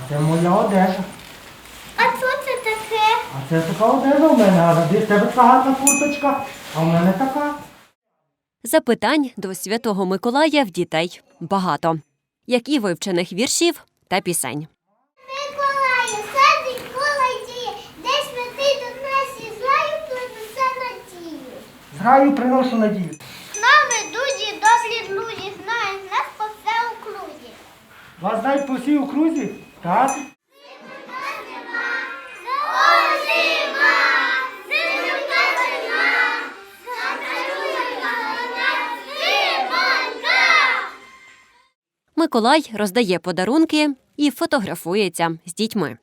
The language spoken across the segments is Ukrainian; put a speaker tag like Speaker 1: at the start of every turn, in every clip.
Speaker 1: це моя одежа.
Speaker 2: А що це таке?
Speaker 1: А це така одежа в мене, а в тебе така гарна курточка, а в мене така.
Speaker 3: Запитань до Святого Миколая в дітей багато. Як і вивчених віршів та пісень.
Speaker 2: Миколаю, садить колодіє, де святий до нас і злаю принесе надію.
Speaker 1: З раю приношу надію.
Speaker 2: З нами дуді, добрі друзі, знають нас по все окрузі.
Speaker 1: Вас знають по всій окрузі? Так?
Speaker 3: Миколай роздає подарунки і фотографується з дітьми.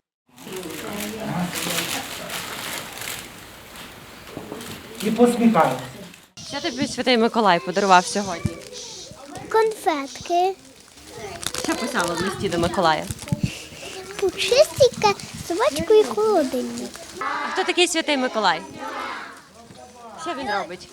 Speaker 1: І посміхається.
Speaker 3: Що тобі Святий Миколай подарував сьогодні?
Speaker 2: Конфетки,
Speaker 3: Що писало в листі до Миколая?
Speaker 2: пушистика, собачку і холодильник.
Speaker 3: А хто такий Святий Миколай? Що він робить?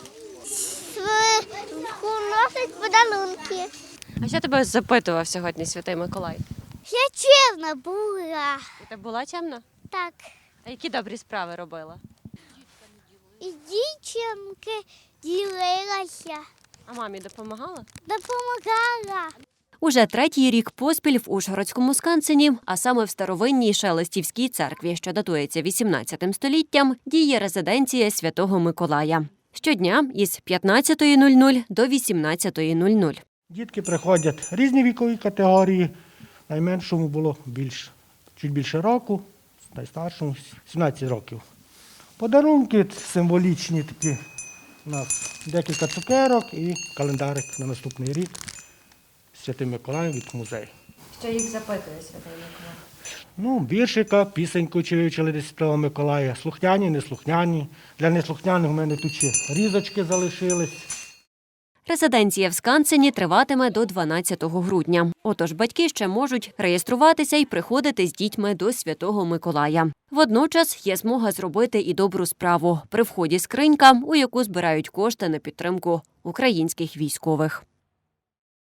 Speaker 2: Носить подарунки.
Speaker 3: А що тебе запитував сьогодні Святий Миколай?
Speaker 2: Я чесна була.
Speaker 3: Ти була чемна?
Speaker 2: Так.
Speaker 3: А які добрі справи робила?
Speaker 2: І дівчинки ділилася,
Speaker 3: А мамі допомагала?
Speaker 2: допомагала.
Speaker 3: Уже третій рік поспіль в Ужгородському Скансені, а саме в старовинній Шелестівській церкві, що датується 18 століттям, діє резиденція Святого Миколая. Щодня із 15:00 до 18:00.
Speaker 1: Дітки приходять різні вікові категорії. Найменшому було чуть більше року, найстаршому 17 років. Подарунки символічні такі. У нас декілька цукерок і календарик на наступний рік Святий Миколай від музею.
Speaker 3: Що їх запитує Святий Миколай?
Speaker 1: Віршика, пісеньку чи вивчили до Святого Миколая. Слухняні, неслухняні. Для неслухняних у мене тут ще різочки залишились.
Speaker 3: Резиденція в Скансені триватиме до 12 грудня. Отож батьки ще можуть реєструватися і приходити з дітьми до Святого Миколая. Водночас є змога зробити і добру справу. При вході скринька, у яку збирають кошти на підтримку українських військових.